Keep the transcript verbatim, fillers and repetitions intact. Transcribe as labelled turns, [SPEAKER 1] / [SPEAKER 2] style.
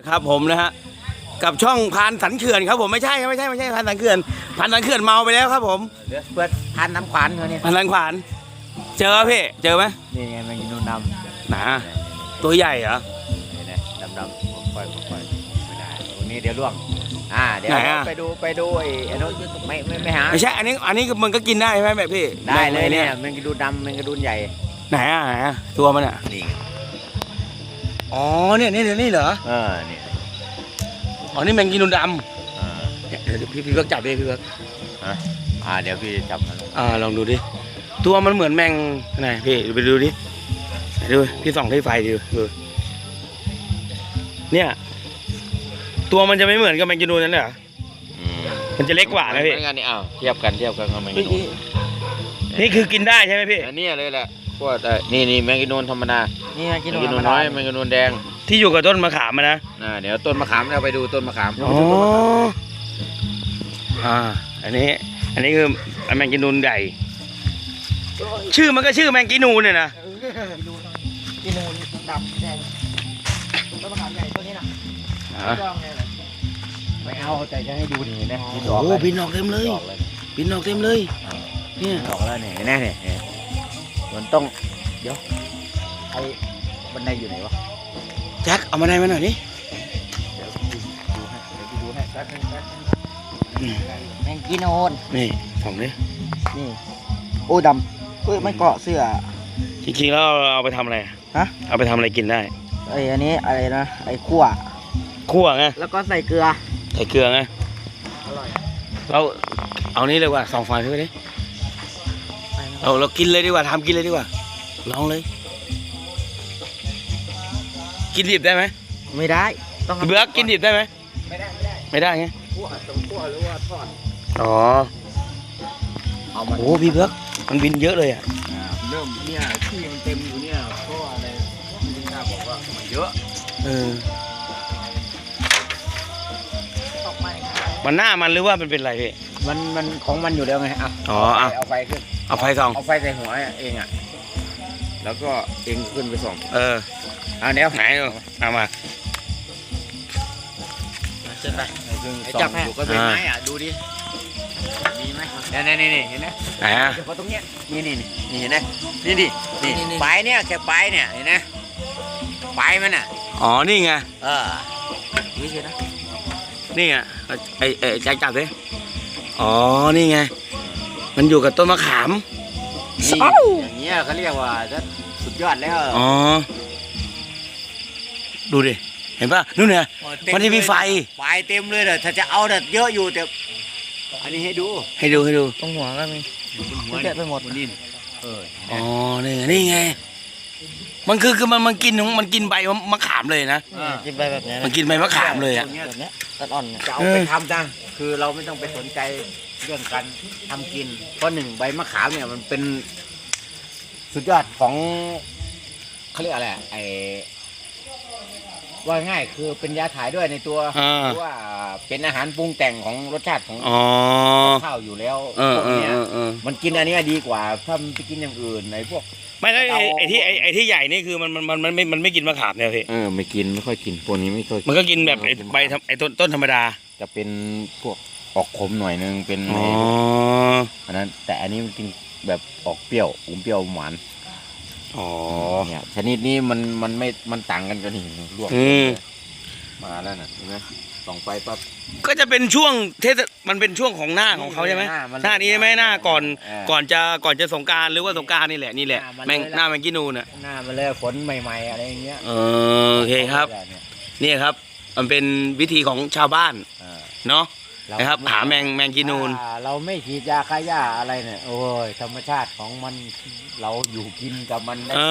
[SPEAKER 1] ครับผมนะฮะกับช่องพานสันเขื่อนครับผมไม่ใช่ไม่ใช่ไม่ใช่พานสันเขื่อนพานสันเขื่อนเมาไปแล้วครับผม
[SPEAKER 2] เดี๋ยวเปิดพันน้ำขวานเขาเนี่ย
[SPEAKER 1] พานสันขวานเจอพี่เจอไหม
[SPEAKER 2] นี่ไงมันกินนูนดำ
[SPEAKER 1] หนาตัวใหญ่เหรอ
[SPEAKER 2] นี่นะดำดำค่อยค่อยไม่ได้ตรงนี้เดี๋ยวล่วงอ่าเดี๋ยวไปดูไปดูไอ้ไอ้นู้นไม่ไม่ไม่หา
[SPEAKER 1] ไม่ใช่อันนี้อันนี้มันก็กินได้ใช่ไหมแบบพี่
[SPEAKER 2] ได้เลย
[SPEAKER 1] เนี่
[SPEAKER 2] เนี่ย ยมันกระดูนดำมันกระดูนใหญ่
[SPEAKER 1] ไหนอ่ะไหนอ่ะตัวมันอ่ะ
[SPEAKER 2] นี่
[SPEAKER 1] อ๋อเนี่ยนี่นี่เหรอ
[SPEAKER 2] เออเนี่ย
[SPEAKER 1] อ๋อนี่แมงกินูนด
[SPEAKER 2] อ่า
[SPEAKER 1] ำเนี่ยเดี๋ยวพี่พี่เบิร์กจับดิพี่เบิร์ก
[SPEAKER 2] ฮะอ่าเดี๋ยวพี่จับมัน
[SPEAKER 1] อ่าลองดูดิตัวมันเหมือนแมงไหนพี่ไปดูดิไหนดูพี่ส่องที่ไฟดูดูเนี่ยตัวมันจะไม่เหมือนกับแมงกินูนนั่นเหรอ
[SPEAKER 2] อืม
[SPEAKER 1] มันจะเล็กกว่านะพี่
[SPEAKER 2] เหมือนกันนี่อ้าวเทียบกันเทียบกันกับแมงกะนูน
[SPEAKER 1] นี่คือกินได้ใช่ไหมพี่
[SPEAKER 2] อันนี้เลยแหละพวกเอ่อนี่นี่แมงกะนูนธรรมดา
[SPEAKER 3] นี่
[SPEAKER 2] แม
[SPEAKER 3] กิน
[SPEAKER 2] งกะนูนน้อยแมงกะนูนแดง
[SPEAKER 1] ที่อยู่กับต้นมะขามอะนะ
[SPEAKER 2] อ่าเดี๋ยวต้นมะขามเราไปดูต้นมะขาม
[SPEAKER 1] อ๋ออ่าอันนี้อันนี้คือแมงกินูนใหญ่ชื่อมันก็ชื่อแมงกินูนเนี่ยนะ
[SPEAKER 3] กินนูนดำแดงต้นมะขามใหญ่ตัวนี้นะ
[SPEAKER 1] อ่ะ
[SPEAKER 3] จ้องเลยนะ
[SPEAKER 2] ไม่เอาแต่จะให้ดูนี่นะ
[SPEAKER 1] โอ้โหบินออกเต็มเลยบินออกเต็มเลยเนี่ย
[SPEAKER 2] ออกแล้วเนี่ยเห็นไหมเนี่ยเนี่ยมันต้องเดี๋ยวไอ้บันไดอยู่ไหนวะ
[SPEAKER 1] แจ็คเอามาได้มาหน่อยดิ
[SPEAKER 2] เดี๋ยวพี่ดูให้เดี๋ยวพี่ดูให้แป๊บนึงแป๊บนึง
[SPEAKER 1] อืม
[SPEAKER 3] แมงกินนูน
[SPEAKER 1] นี่ส่องดิ
[SPEAKER 3] นี่โอ้ดำเฮ้ยมันเกาะเสื้อ
[SPEAKER 1] จริงๆแล้วเราเอาไปทำอะไร
[SPEAKER 3] ฮะ
[SPEAKER 1] เอาไปทำอะไรกินได้
[SPEAKER 3] ไอ้อันนี้อะไรนะไอ้ขั่ว
[SPEAKER 1] คั่วไง
[SPEAKER 3] แล้วก็ใส่เกลือ
[SPEAKER 1] ใส่เกลือไง
[SPEAKER 3] อร่อย
[SPEAKER 1] เราเอานี้เลยว่าส่องไฟขึ้นไปดิเราเรากินเลยดีกว่าทำกินเลยดีกว่าลองเลย กินดิบได้ไหม
[SPEAKER 3] ไม่ได้ต้อง
[SPEAKER 1] พี่เบิร์กกินดิบได้ไหม
[SPEAKER 3] ไม่ได้ไม่ได้
[SPEAKER 1] ไม่ได้ไง
[SPEAKER 3] ขั่วต้องขั่วหรือว่าทอด
[SPEAKER 1] อ๋อ
[SPEAKER 2] เอามา
[SPEAKER 1] โอ้พี่เบิร์กมันบินเยอะเลยอ่ะ
[SPEAKER 2] อ่าเริ่มเนี่ยที่มันเต็มอยู่เนี่ยเพราะว่าอะไรพี่ข้าบอกว่ามันเยอะ
[SPEAKER 1] เออ
[SPEAKER 3] ตกไป
[SPEAKER 1] มันหน้ามันหรือว่ามันเป็นอะไรพี่
[SPEAKER 2] มันมันของมันอยู่แล้วไงอ่ะ
[SPEAKER 1] อ๋ออ่ะ
[SPEAKER 2] เอาไฟขึ้น
[SPEAKER 1] เอาไฟส่อง
[SPEAKER 2] เอาไฟใส่หัวเองอ่ะแล้วก็เองขึ้นไปส่อง
[SPEAKER 1] เออ
[SPEAKER 2] อ่าเดี๋ยว
[SPEAKER 1] ไหนดูเอามา
[SPEAKER 3] เชิญไป
[SPEAKER 2] ซึ่ง
[SPEAKER 3] ไอ้
[SPEAKER 2] ส่
[SPEAKER 3] จั
[SPEAKER 2] อบ ง
[SPEAKER 3] ให้
[SPEAKER 2] อยู่ก็เป็นไม้อ่ะดูดิมีไหมเนี่ยนี่นี่นี่เห็นไหม
[SPEAKER 1] ไหนอ่ะ
[SPEAKER 2] เฉพาะตรงเนี้ยนี่นี่นี่นี่เห็นไหมนี่ดิ
[SPEAKER 3] นี่
[SPEAKER 2] นี่
[SPEAKER 3] นี่
[SPEAKER 2] ปลายเนี่ยแค่ปลายเนี่ยเห็นไหมปลายมันอ่ะ
[SPEAKER 1] อ๋อนี่ไง
[SPEAKER 2] เออ
[SPEAKER 3] นี่สินะ
[SPEAKER 1] นี่ไงไอ้ไอ้แจ็คจับดิอ๋อนี่ไงมันอยู่กับต้นมะขาม
[SPEAKER 2] นี่อย่างเงี้ยเขาเรียกว่าจะสุดยอดแล้ว
[SPEAKER 1] อ๋อดูดิเห็นป่ะนู่นเนี่ย มันจะมีไฟ
[SPEAKER 2] ปลายเต็มเลยเด้อถ้าจะเอาเด้อเยอะอยู่แต่อันนี้ให้ดู
[SPEAKER 1] ให้ดูให้ดู
[SPEAKER 3] ตรงหัวก็มี
[SPEAKER 2] อยู่บนหัว
[SPEAKER 3] แกะไปหมด
[SPEAKER 2] บนดินเออ
[SPEAKER 1] อ๋อนี่ไงนี่ไงมันคือคือมันมันกินของมันกินใบมะขามเลยนะ
[SPEAKER 3] กินไปแบบนี้
[SPEAKER 1] มันกินใบมะขามเลยอ่ะ
[SPEAKER 3] แบบนี้ตัดอ่อนเนี่ย
[SPEAKER 2] จะเอาไปทำนะคือเราไม่ต้องไปสนใจเรื่องการทำกินเพราะหนึ่งใบมะขามเนี่ยมันเป็นสุดยอดของเขาเรียกอะไรอะไอว่าง่ายคือเป็นยาถ่ายด้วยในตัว
[SPEAKER 1] อ่า
[SPEAKER 2] หรือว่าเป็นอาหารปรุงแต่งของรสชาติของ
[SPEAKER 1] อ๋อ
[SPEAKER 2] ข้าวอยู่แล้ว
[SPEAKER 1] เออ
[SPEAKER 2] พวก
[SPEAKER 1] เออ
[SPEAKER 2] เนี้ย
[SPEAKER 1] เออเออ
[SPEAKER 2] มันกินอันเนี้ยดีกว่าถ้ามันไปกินอย่างอื่นไอ้พวก
[SPEAKER 1] ไม่แล้วไอ้ไอ้ที่ไอ้ไอ้ที่ใหญ่นี่คือมันมันมันมันไม่มันไม่กินมะขามเนี่ยพี่
[SPEAKER 2] เออไม่กินไม่ค่อยกินพวกนี้ไม่ค่อย
[SPEAKER 1] มันก็กินแบบไอ้ใบธรรมไอ้ต้นต้นธรรมดา
[SPEAKER 2] จะเป็นพวกออกขมหน่อยนึงเป็น
[SPEAKER 1] อ๋อ
[SPEAKER 2] อันนั้นแต่อันนี้มันกินแบบออกเปรี้ยวอมเปรี้ยวหวาน
[SPEAKER 1] อ๋อ
[SPEAKER 2] เนี่ยชนิดนี้มันมันไม่มันต่างกันกันนี่ลวก
[SPEAKER 1] อืม
[SPEAKER 2] มาแล้วน่ะเห็นไหมส่องไปปั๊บ
[SPEAKER 1] ก็จะเป็นช่วงเทศมันเป็นช่วงของหน้าของเขาใช่ไหม
[SPEAKER 2] หน้ามัน
[SPEAKER 1] หน้านี้ใช่ไหมหน้าก่อน
[SPEAKER 2] เออ
[SPEAKER 1] ก่อนจะก่อนจะสงกรารหรือว่าสงกรารนี่แหละนี่แหละ
[SPEAKER 2] หน้ามัน
[SPEAKER 1] แมง
[SPEAKER 2] เลยละ
[SPEAKER 1] หน้าแมงกินูนอ่ะ
[SPEAKER 2] หน้ามันเลยฝนใหม่ๆอะไรอย่างเงี้ย
[SPEAKER 1] เออโอเคครับ
[SPEAKER 2] เนี่ย
[SPEAKER 1] นี่ครับมันเป็นวิธีของชาวบ้าน
[SPEAKER 2] เออ
[SPEAKER 1] เนาะ
[SPEAKER 2] เา
[SPEAKER 1] นะครับหาแมงแมงกินูน
[SPEAKER 2] ถ้าเราไม่ฉีดยาฆ่าหญ้าอะไรเนี่ยโอ้ยธรรมชาติของมันเราอยู่กินกับมันได้